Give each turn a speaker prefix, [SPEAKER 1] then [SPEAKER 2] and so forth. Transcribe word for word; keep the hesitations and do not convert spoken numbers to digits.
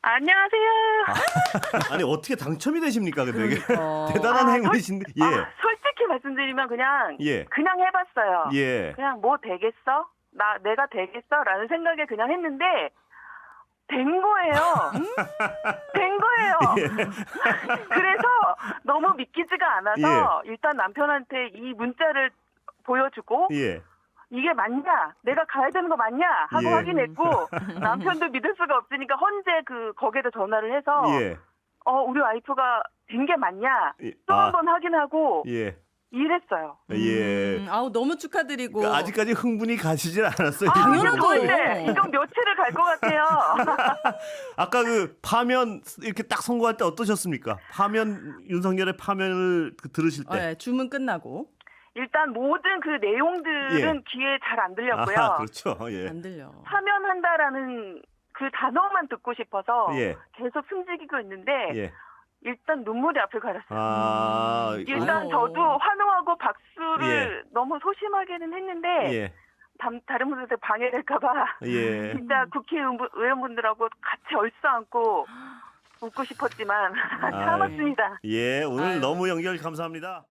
[SPEAKER 1] 안녕하세요.
[SPEAKER 2] 아, 아니 어떻게 당첨이 되십니까? 그 되게
[SPEAKER 3] 그러니까.
[SPEAKER 2] 대단한
[SPEAKER 1] 아,
[SPEAKER 2] 행운이신데. 예.
[SPEAKER 1] 아, 솔직히 말씀드리면 그냥
[SPEAKER 2] 예.
[SPEAKER 1] 그냥 해봤어요.
[SPEAKER 2] 예.
[SPEAKER 1] 그냥 뭐 되겠어? 나 내가 되겠어?라는 생각에 그냥 했는데 된 거예요. 된 거예요. 그래서 너무 믿기지가 않아서 일단 남편한테 이 문자를 보여주고
[SPEAKER 2] 예.
[SPEAKER 1] 이게 맞냐? 내가 가야 되는 거 맞냐? 하고
[SPEAKER 2] 예.
[SPEAKER 1] 확인했고 남편도 믿을 수가 없으니까 헌재 그 거기에다 전화를 해서
[SPEAKER 2] 예.
[SPEAKER 1] 어 우리 와이프가 된 게 맞냐?
[SPEAKER 2] 예.
[SPEAKER 1] 또
[SPEAKER 2] 아.
[SPEAKER 1] 한 번 확인하고
[SPEAKER 2] 예.
[SPEAKER 1] 이랬어요.
[SPEAKER 2] 예.
[SPEAKER 3] 음, 아우 너무 축하드리고.
[SPEAKER 2] 그러니까 아직까지 흥분이 가시질 않았어요.
[SPEAKER 1] 아,
[SPEAKER 3] 당연하죠.
[SPEAKER 1] 이거 이제 이건 며칠을 갈 것 같아요.
[SPEAKER 2] 아까 그 파면 이렇게 딱 선고할 때 어떠셨습니까? 파면 윤석열의 파면을 그 들으실 때.
[SPEAKER 3] 네, 주문 끝나고
[SPEAKER 1] 일단 모든 그 내용들은
[SPEAKER 2] 예.
[SPEAKER 1] 귀에 잘 안 들렸고요.
[SPEAKER 2] 아, 그렇죠. 예.
[SPEAKER 3] 안 들려.
[SPEAKER 1] 파면한다라는 그 단어만 듣고 싶어서
[SPEAKER 2] 예.
[SPEAKER 1] 계속 숨지기고 있는데
[SPEAKER 2] 예.
[SPEAKER 1] 일단 눈물이 앞을 가렸어요.
[SPEAKER 2] 아.
[SPEAKER 1] 일단
[SPEAKER 3] 아유.
[SPEAKER 1] 저도 환호하고 박수를
[SPEAKER 2] 예.
[SPEAKER 1] 너무 소심하게는 했는데
[SPEAKER 2] 예.
[SPEAKER 1] 다, 다른 분들한테 방해될까봐
[SPEAKER 2] 예.
[SPEAKER 1] 진짜 국회의원분들하고 같이 얼싸안고 웃고 싶었지만
[SPEAKER 2] 아유.
[SPEAKER 1] 참았습니다.
[SPEAKER 2] 예. 오늘
[SPEAKER 3] 아유.
[SPEAKER 2] 너무 연결 감사합니다.